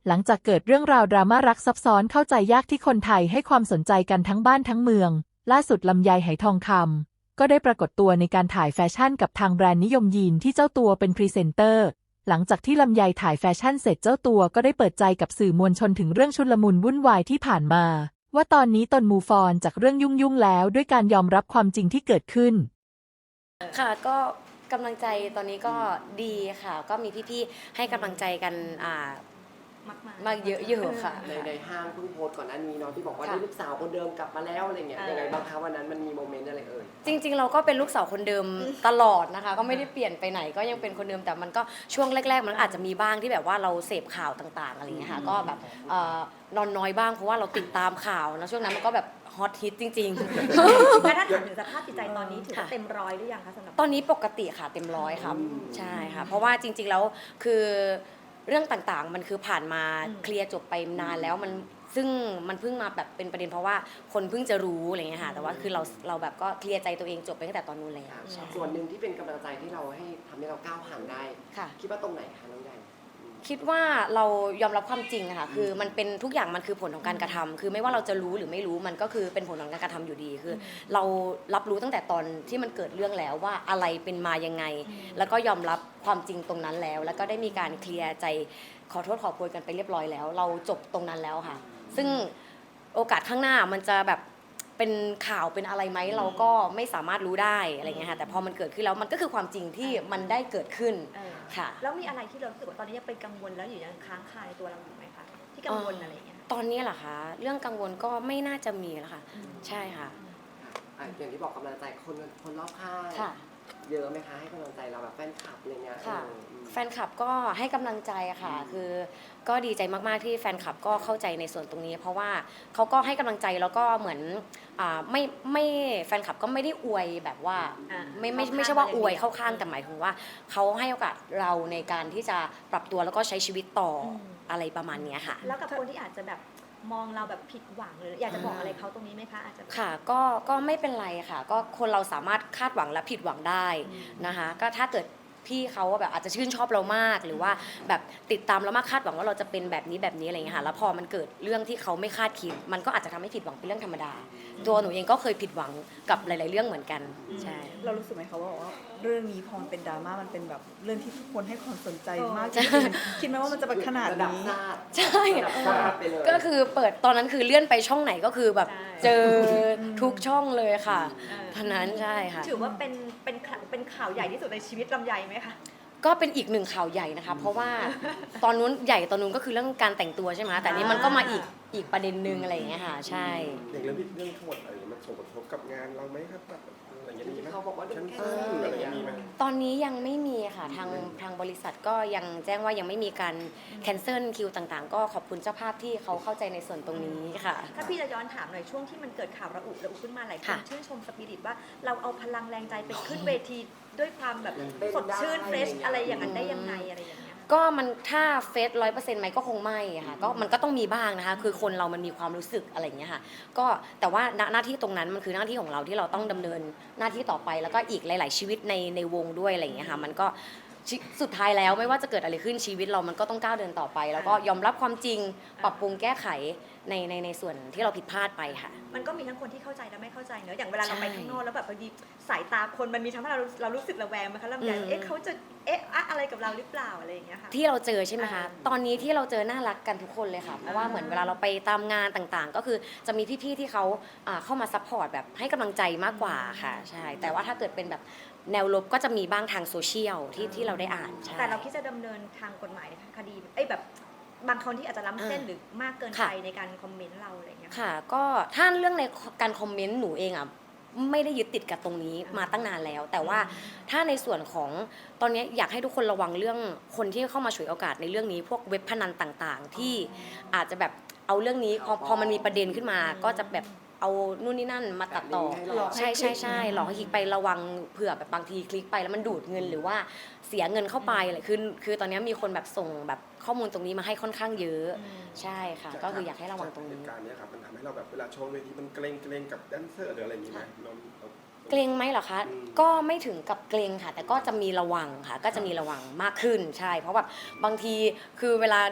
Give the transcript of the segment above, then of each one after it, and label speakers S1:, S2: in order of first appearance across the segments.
S1: หลังจากเกิดเรื่องราวดราม่ารักซับซ้อนเข้าใจยากที่คนไทยให้ความสนใจกันทั้งบ้านทั้งเมืองล่าสุดลำไยไหทองคำก็ได้ปรากฏตัวในการถ่ายแฟชั่นกับทางแบรนด์นิยมยีนที่เจ้าตัวเป็นพรีเซนเตอร์หลังจากที่ลำไยถ่ายแฟชั่นเสร็จเจ้าตัวก็ได้เปิดใจกับสื่อมวลชนถึงเรื่องชุลมุนวุ่นวายที่ผ่านมาว่าตอนนี้ตนมูฟออนจากเรื่องยุ่งๆแล้วด้วยการยอมรับความจริงที่เกิดขึ้น
S2: ค่ะก็กำลังใจตอนนี้ก็ดีค่ะก็มีพี่ๆให้กำลังใจกันมากเยอะอยู่ค่ะ
S3: ในห้างเพิ่งโพสต์ก่อนหน้านี้เนาะที่บอกว่านี่ลูกสาวคนเดิมกลับมาแล้วอะไรเงี้ยยังไงบ้างคะวันนั้นมันมีโมเมนต์อะไรเอ่ย
S2: จริงๆเราก็เป็นลูกสาวคนเดิมตลอดนะคะก็ไม่ได้เปลี่ยนไปไหนก็ยังเป็นคนเดิมแต่มันก็ช่วงแรกๆมันอาจจะมีบ้างที่แบบว่าเราเสพข่าวต่างๆอะไรเงี้ยค่ะก็แบบนอนน้อยบ้างเพราะว่าเราติดตามข่าวนะช่วงนั้นมันก็แบบฮอตฮิตจริง
S4: ๆแล้วถ้าถามถึงสภาพจิตใจตอนนี้ถือว่าเต็มร้อยหรือยังคะสำหรับ
S2: ตอนนี้ปกติค่ะเต็มร้อยครับใช่ค่ะเพราะว่าจริงๆแล้วคือเรื่องต่างๆมันคือผ่านมาเคลียร์จบไปนานแล้วซึ่งมันเพิ่งมาแบบเป็นประเด็นเพราะว่าคนเพิ่งจะรู้อะไรเงี้ยค่ะแต่ว่าคือเราแบบก็เคลียร์ใจตัวเองจบไปตั้งแต่ตอนนู้นแล้ว
S3: ส่วนหนึ่งที่เป็นกำลังใจที่เราให้ทำให้เราก้าวผ่านได้คิดว่าตรงไหนคะน้องใหญ่
S2: คิดว่าเรายอมรับความจริงอะค่ะคือมันเป็นทุกอย่างมันคือผลของการกระทำคือไม่ว่าเราจะรู้หรือไม่รู้มันก็คือเป็นผลของการกระทำอยู่ดีคือเรารับรู้ตั้งแต่ตอนที่มันเกิดเรื่องแล้วว่าอะไรเป็นมายังไงแล้วก็ยอมรับความจริงตรงนั้นแล้วก็ได้มีการเคลียร์ใจขอโทษขอโพยกันไปเรียบร้อยแล้วเราจบตรงนั้นแล้วค่ะซึ่งโอกาสข้างหน้ามันจะแบบเป็นข่าวเป็นอะไรไหมเราก็ไม่สามารถรู้ได้อะไรเงี้ยค่ะแต่พอมันเกิดขึ้นแล้วมันก็คือความจริงที่มันได้เกิดขึ้นค่ะ
S4: แล้วมีอะไรที่เรารู้สึกว่าตอนนี้ยังเป็นกังวลแล้วอยู่ยังค้างคาในตัวเราอยู่ไหมคะที่กังวลอะไรเงี้ย
S2: ตอนนี้เหรอคะเรื่องกังวลก็ไม่น่าจะมีแล้วค่ะใช่ค่ะ
S3: อย่างที่บอกกำลังใจคนรอบข้างเยอะไหมคะให้กำลังใจเราแบบแฟนคลับอะไรเงี้ย
S2: ค่ะแฟนคลับก็ให้กำลังใจค่ะคือก็ดีใจมากๆที่แฟนคลับก็เข้าใจในส่วนตรงนี้เพราะว่าเขาก็ให้กำลังใจแล้วก็เหมือนไม่แฟนคลับก็ไม่ได้อวยแบบว่าไม่ใช่ว่าอวยเข้าข้างแต่หมายถึงว่าเขาให้โอกาสเราในการที่จะปรับตัวแล้วก็ใช้ชีวิตต่ออะไรประมาณนี้ค่ะ
S4: แล้วกับคนที่อาจจะแบบมองเราแบบผิดหวังหรืออยากจะบอกอะไรเขาตรงนี้ไหมคะอาจจะ
S2: ค่ะก็ไม่เป็นไรค่ะก็คนเราสามารถคาดหวังและผิดหวังได้นะคะก็ถ้าเกิดพี่เขาแบบอาจจะชื่นชอบเรามากหรือว่าแบบติดตามเรามากคาดหวังว่าเราจะเป็นแบบนี้อะไรอย่างเงี้ยค่ะแล้วพอมันเกิดเรื่องที่เขาไม่คาดคิดมันก็อาจจะทำให้ผิดหวังเป็นเรื่องธรรมดาตัวหนูเองก็เคยผิดหวังกับหลายๆเรื่องเหมือนกันใช่
S5: เรารู้สึกไหมคะว่าเรื่องนี้พอมันเป็นดราม่ามันเป็นแบบเรื่องที่ทุกคนให้ความสนใจมากจริงคิดไหมว่ามันจะเป็นขนาดนี้
S2: ใช่ก็คือเปิดตอนนั้นคือเลื่อนไปช่องไหนก็คือแบบเจอทุกช่องเลยค่ะท่านั้นใช่ค่ะ
S4: ถือว่าเป็นข่าวใหญ่ที่สุดในชีวิตลำไยไหมคะ
S2: ก็เป็นอีกหนึ่งข่าวใหญ่นะคะเพราะว่าตอนนู้นใหญ่ตอนนู้นก็คือเรื่องการแต่งตัวใช่ไหมแต่นี้มันก็มาอีกประเด็นนึงอะไรอย่างเงี้ยค่ะใช่
S6: อย่างเรื่องทั้งหมดอะไรมันส่งผลกระทบกับงานเราไหมครับแบบอะไรอย่างเงี้ย
S3: เขาบอกว่า
S6: ชั้นอะไรอย่างนี้ไหม
S2: ตอนนี้ยังไม่มีค่ะทางบริษัทก็ยังแจ้งว่ายังไม่มีการแคนเซิลคิวต่างๆก็ขอบคุณเจ้าภาพที่เขาเข้าใจในส่วนตรงนี้ค่ะ
S4: ถ้าพี่จะย้อนถามหน่อยช่วงที่มันเกิดข่าวระอุขึ้นมาหลายคนชื่นชมสปิริตว่าเราเอาพลังแรงใจไปขึ้นเวทีด้วยความแบบสดชื่นเฟรชอะไรอย่างนั้นได้ยังไงอะไรอย่างเงี้ย
S2: ก็มันถ้าเฟส100%ไหมก็คงไม่ค่ะก็มันก็ต้องมีบ้างนะคะคือคนเรามันมีความรู้สึกอะไรอย่างเงี้ยค่ะก็แต่ว่าหน้าที่ตรงนั้นมันคือหน้าที่ของเราที่เราต้องดำเนินหน้าที่ต่อไปแล้วก็อีกหลายๆชีวิตในวงด้วยอะไรอย่างเงี้ยค่ะมันก็สุดท้ายแล้วไม่ว่าจะเกิดอะไรขึ้นชีวิตเรามันก็ต้องก้าวเดินต่อไปแล้วก็ยอมรับความจริงปรับปรุงแก้ไขในส่วนที่เราผิดพลาดไปค่ะ
S4: มันก็มีทั้งคนที่เข้าใจและไม่เข้าใจเนอะอย่างเวลาเราไปข้างนอกแล้วแบบพอดีสายตาคนมันมีทั้งเรารู้สึกระแวงไหมคะลำไยเขาจะอะไรกับเราหรือเปล่าอะไรอย่างเงี้ยค่ะ
S2: ที่เราเจอใช่ไหมคะตอนนี้ที่เราเจอน่ารักกันทุกคนเลยค่ะเพราะว่าเหมือนเวลาเราไปตามงานต่างๆก็คือจะมีพี่ๆที่เขาเข้ามาซัพพอร์ตแบบให้กำลังใจมากกว่าค่ะใช่แต่ว่าถ้าเกิดเป็นแบบแนวลบก็จะมีบ้างทางโซเชียลที่เราได้อ่าน
S4: แต่เราคิดจะดำเนินทางกฎหมายในคดีแบบบางคนที่อาจจะล้ำเส้นหรือมากเกินไปในการคอมเมนต์เราอะไรอย่างเงี้ย
S2: ค่ะก็ถ้าเรื่องในการคอมเมนต์หนูเองอ่ะไม่ได้ยึดติดกับตรงนี้มาตั้งนานแล้วแต่ว่าถ้าในส่วนของตอนนี้อยากให้ทุกคนระวังเรื่องคนที่เข้ามาฉวยโอกาสในเรื่องนี้พวกเว็บพนันต่างๆที่อาจจะแบบเอาเรื่องนี้พอมันมีประเด็นขึ้นมาก็จะแบบเอานู่นนี่นั่นมาตัดต่อใช่หลอกให้คลิกไประวังเผื่อแบบบางทีคลิกไปแล้วมันดูดเงินหรือว่าเสียเงินเข้าไปอะไรคือตอนนี้มีคนแบบส่งแบบข้อมูลตรงนี้มาให้ค่อนข้างเยอะใช่ค่ะก็คืออยากให้ระวังตรงนี้
S6: การนี้ครับมันทำให้เราแบบเวลาโชว์เวทีมันเกรงกับแดนเซอร์หรืออะไรอย่างนี้ไหม
S2: เกรงไหมเหรอคะก็ไม่ถึงกับเกรงค่ะแต่ก็จะมีระวังค่ะก็จะมีระวังมากขึ้นใช่เพราะแบบบางทีคือเวลาที่แบบ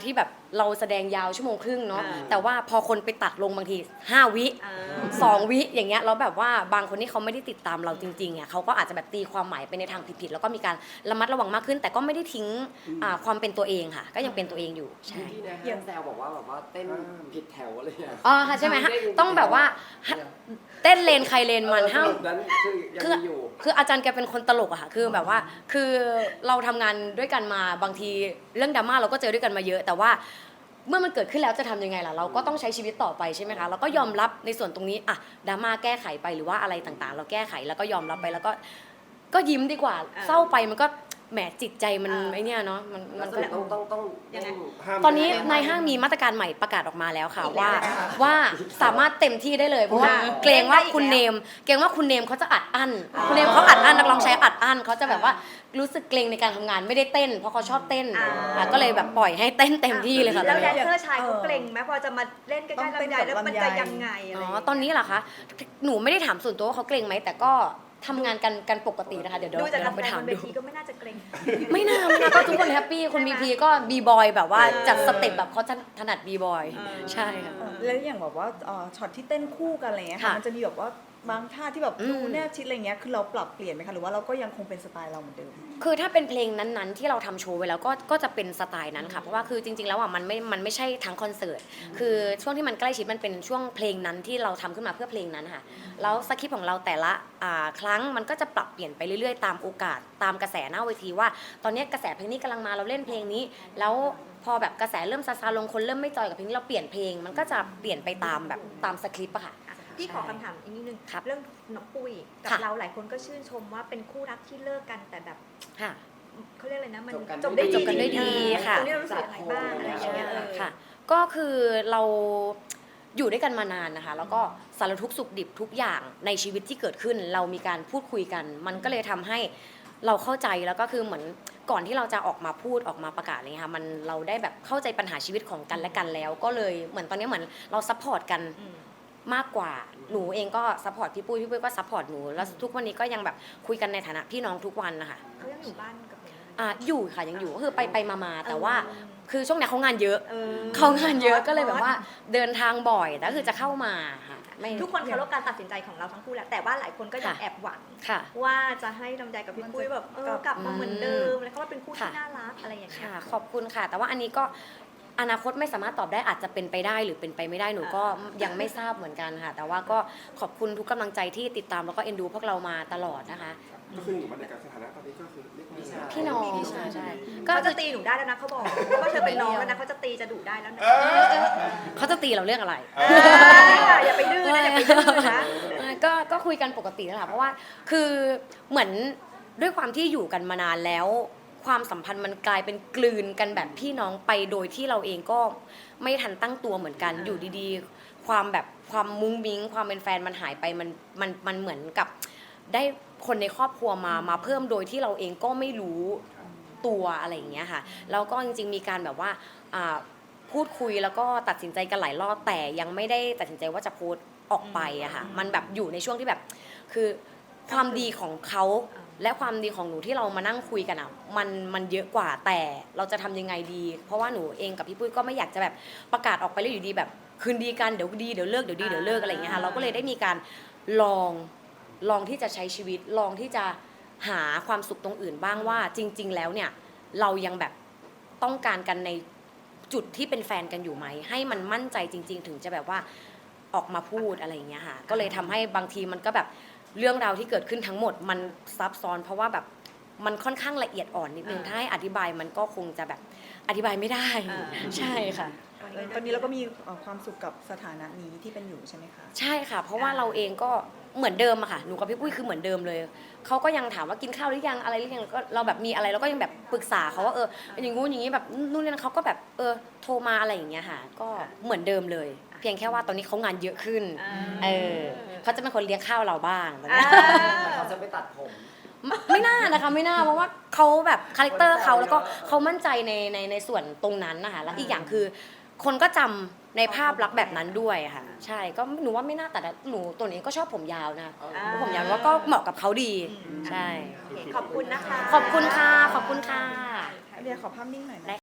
S2: เราแสดงยาวชั่วโมงครึ่งเนาะ
S4: อ่า
S2: แต่ว่าพอคนไปตัดลงบางที5 วิ
S4: อ่า
S2: 2 วิอย่างเงี้ยแล้วแบบว่าบางคนที่เขาไม่ได้ติดตามเราจริงๆอ่ะเขาก็อาจจะแบบตีความหมายไปในทางผิดๆแล้วก็มีการระมัดระวังมากขึ้น แต่ก็ไม่ได้ทิ้งความเป็นตัวเองค่ะ ก็ยังเป็นตัวเองอยู่ใช่
S3: ที่ในห้างแซวบอกว่าแบบว่าเต้นผิดแถวอะไรอย่างเงี้ย
S2: อ๋อค่ะใช่ไหมฮะต้องแบบว่าเต้นเลนใครเลนมันห้าม
S3: แบบนั้นคือยังมีอยู่
S2: คืออาจารย์แกเป็นคนตลกอะค่ะ คือแบบว่า คือเราทำงานด้วยกันมาบางทีเรื่องดราม่าเราก็เจอด้วยกันมาเยอะ แต่ว่าเมื่อมันเกิดขึ้นแล้วจะทำยังไงล่ะ เราก็ต้องใช้ชีวิตต่อไปใช่ไหมคะ เราก็ยอมรับในส่วนตรงนี้อะดราม่าแก้ไขไปหรือว่าอะไรต่างๆ เราแก้ไขแล้วก็ยอมรับไปแล้วก็ยิ้มดีกว่า เศร้าไปมันก็แหมจิตใจมันไอเนี่ยเนาะ มันก็
S3: ต้อง
S4: ยังไง
S6: ห้าม
S2: ตอนนี้ในห้างมีมาตรการใหม่ประกาศออกมาแล้วค่ะว่าสามารถเต็มที่ได้เลยเพราะว่าเกรงว่าคุณเนมเขาจะอัดอั้นคุณเนมเขาอัดอั้นนักร้องชายอัดอั้นเขาจะแบบว่ารู้สึกเกรงในการทำงานไม่ได้เต้นเพราะเขาชอบเต้นก็เลยแบบปล่อยให้เต้นเต็มที่เลยค่ะ
S4: แล้ว
S2: ตอน
S4: แด
S2: นี้
S4: นเซอร์ชายเขาเกรงไหมพอจะมาเล่นใกล้ๆลำไยแล้วมันจะยังไงอะไร
S2: อ๋อตอนนี้เหรอคะหนูไม่ได้ถามส่วนตัวว่าเขาเกรงไหมแต่ก็ทำงานกันปกตินะคะเดี๋ยว
S4: ดูจาก
S2: ล
S4: กา
S2: อง
S4: ร
S2: ไป
S4: แสดง
S2: ถาม
S4: บนเว
S2: ดู
S4: ทีก็ไม่น่าจะเกรง
S2: ไม่น่าก็ทุกคนแฮปปี้คนบีพีก็บีบอยแบบว่าจัดสเต็ปแบบเขาถนัดบีบอยใช่ค่ะ
S5: แล้วอย่างแบบว่าช็อตที่เต้นคู่กันอะไรเงี้ยค่ะ
S2: ค่ะ
S5: มันจะมีแบบว่าบางท่าที่แบบ
S2: อืม
S5: ดูแนบชิดอะไรเงี้ยคือเราปรับเปลี่ยนไหมคะหรือว่าเราก็ยังคงเป็นสไตล์เราเหมือนเดิม
S2: คือถ้าเป็นเพลงนั้นๆที่เราทำโชว์ไว้แล้วก็จะเป็นสไตล์นั้นค่ะเพราะว่าคือจริงๆแล้วอ่ะมันไม่ใช่ทั้งคอนเสิร์ตคือช่วงที่มันใกล้ชิดมันเป็นช่วงเพลงนั้นที่เราทำขึ้นมาเพื่อเพลงนั้นค่ะแล้วสคริปต์ของเราแต่ละครั้งมันก็จะปรับเปลี่ยนไปเรื่อยๆตามโอกาสตามกระแสหน้าเวทีว่า ตอนนี้กระแสเพลงนี้กำลังมาเราเล่นเพลงนี้ แล้วพอแบบกระแสเริ่มซาลงคนเริ่มไม่จอยกับเพลงนี้เราเปลี่ยนเพลงมันก็จะเปลี่ยนไปตามแบบตามสคริปต์อะค่ะ
S4: พี่ขอคำถามอีกนิดนึง
S2: ครับ
S4: เรื่องน้องปุ้ยกับ
S2: ค่ะ
S4: เราหลายคนก็ชื่นชมว่าเป็นคู่รักที่เลิกกันแต่แบบ
S2: ค่ะ
S4: เขาเรียกอะไรนะมัน
S3: จบกัน
S4: จบได้
S2: จบกันด้วยดีค่ะ
S4: ตรงนี้เรารู้สึกยังไงบ้างอะไรอย่างเงี้ย
S2: ค่ะก็คือเราอยู่ด้วยกันมานานนะคะแล้วก็สารทุกข์สุขดิบทุกอย่างในชีวิตที่เกิดขึ้น เรามีการพูดคุยกัน มันก็เลยทำให้เราเข้าใจแล้วก็คือเหมือนก่อนที่เราจะออกมาพูดออกมาประกาศอะไรเงี้ยค่ะมันเราได้แบบเข้าใจปัญหาชีวิตของกันและกันแล้ว ก็เลยเหมือนตอนนี้เหมือนเราซัพพอร์ตกันมากกว่าหนูเองก็ซัพพอร์ตพี่ปุ้ยก็ซัพพอร์ตหนูแล้วทุกวันนี้ก็ยังแบบคุยกันในฐานะพี่น้องทุกวันนะคะ
S4: เขายังอยู่บ้านกับหนูไหม
S2: อยู่ค่ะยังอยู่ก็คือไปมาแต่ว่าคือช่วงนี้เขางานเยอะ
S4: เออ
S2: เขางานเยอะก็เลยแบบว่าเดินทางบ่อยแต่คือจะเข้ามาค่ะไม่
S4: ทุกคนเคารพการตัดสินใจของเราทั้งคู่แหละแต่ว่าหลายคนก็ยัง
S2: ค่ะ
S4: แอบหวัง
S2: ค่ะ
S4: ว่าจะให้ลำไยกับพี่ปุ้ยแบบกลับมาเหมือนเดิมแล้วก็ว่าเป็นคู่ที่
S2: ค่ะ
S4: น่ารักอะไรอย่างเงี้ย
S2: ค่ะขอบคุณค่ะ แต่ว่าอันนี้ก็อนาคตไม่สามารถตอบได้อาจจะเป็นไปได้หรือเป็นไปไม่ได้หนูก็ยังไม่ทราบเหมือนกันค่ะ แต่ว่าก็ขอบคุณทุกกำลังใจที่ติดตามแล้วก็เอ็นดูพวกเรามาตลอดนะคะ
S6: ก็คืออยู่บรรยากาศสถานะตอนนี้ก็คือเรียกว่า
S2: พี่น้องใช่ก็
S4: เขาจะตีหนูได้แล้วนะเขาบอกว่าเธอเป็นน้องแล้วนะเขาจะตีจะดุได้แล้วนะ
S2: เขาจะตีเราเรื่องอะไร
S4: อย่าไปดื้อนะอย่าไปดื้อนะ
S2: ก็คุยกันปกตินั่นแหละเพราะว่าคือเหมือนด้วยความที่อยู่กันมานานแล้ว ความสัมพันธ์มันกลายเป็นกลืนกันแบบพี่น้องไปโดยที่เราเองก็ไม่ทันตั้งตัวเหมือนกันอยู่ดีๆ ความมุ้งมิ้งความเป็นแฟนมันหายไปมันเหมือนกับได้คนในครอบครัวมาเพิ่มโดยที่เราเองก็ไม่รู้ตัวอะไรอย่างเงี้ยค่ะแล้วก็จริงๆมีการแบบว่าพูดคุยแล้วก็ตัดสินใจกันหลายรอบแต่ยังไม่ได้ตัดสินใจว่าจะโพสต์ออกไปอะค่ะมันแบบอยู่ในช่วงที่แบบคือความดีของเขาและความดีของหนูที่เรามานั่งคุยกันอะมันเยอะกว่าแต่เราจะทำยังไงดี เพราะว่าหนูเองกับพี่ปุ้ยก็ไม่อยากจะแบบประกาศออกไปแล้วอยู่ดีแบบคืนดีกันเดี๋ยวดีเดี๋ยวเลิกเดี๋ยวดีเดี๋ยวเลิกอะไรอย่างเงี้ยค่ะเราก็เลยได้มีการลองที่จะใช้ชีวิตลองที่จะหาความสุขตรงอื่นบ้างว่าจริง ๆ แล้วเนี่ยเรายังแบบต้องการกันในจุดที่เป็นแฟนกันอยู่ไหมให้มันมั่นใจจริง ๆ ถึงจะแบบว่าออกมาพูดอะไรอย่างเงี้ยค่ะก็เลยทำให้บางทีมันก็แบบเรื่องราวที่เกิดขึ้นทั้งหมดมันซับซ้อนเพราะว่าแบบมันค่อนข้างละเอียดอ่อนนิดนึงถ้าให้อธิบายมันก็คงจะแบบอธิบายไม่ได้ใช่ค่ะ
S5: ตอนนี้เราก็มีความสุขกับสถานะนี้ที่เป็นอยู่ใช่ไหมคะ
S2: ใช่ค่ะ เพราะว่าเราเองก็เหมือนเดิมอะค่ะหนูกับพี่ปุ้ยคือเหมือนเดิมเลยเขาก็ยังถามว่ากินข้าวหรือยังอะไรหรือยังแล้วก็เราแบบมีอะไรเราก็ยังแบบปรึกษาเขาว่าอย่างงู้นอย่างนี้แบบนู่นนี่นั่นเขาก็แบบโทรมาอะไรอย่างเงี้ยค่ะก็เหมือนเดิมเลย เพียงแค่ว่าตอนนี้เขางานเยอะขึ้นเขาจะเป็นคนเลี้ยงข้าวเราบ้างตอนนี้
S3: แต่เขาจะไปตัดผม
S2: ไม่น่านะคะไม่น่าเพราะว่าเขาแบบคาแรคเตอร์เขาแล้วก็เขามั่นใจในส่วนตรงนั้นนะคะแล้วอีกอย่างคือ คนก็จำในภาพลักษณ์แบบนั้นด้วยค่ะใช่ก็หนูว่าไม่น่าแต่หนูตัวนี้ก็ชอบผมยาวนะผมยาวว่าก็เหมาะกับเขาดีใช่
S4: โอเคขอบคุณนะคะ
S2: ขอบคุณค่ะขอบคุณค่ะ
S5: เดี๋ยวขอภาพนิ่งหน่อยนะ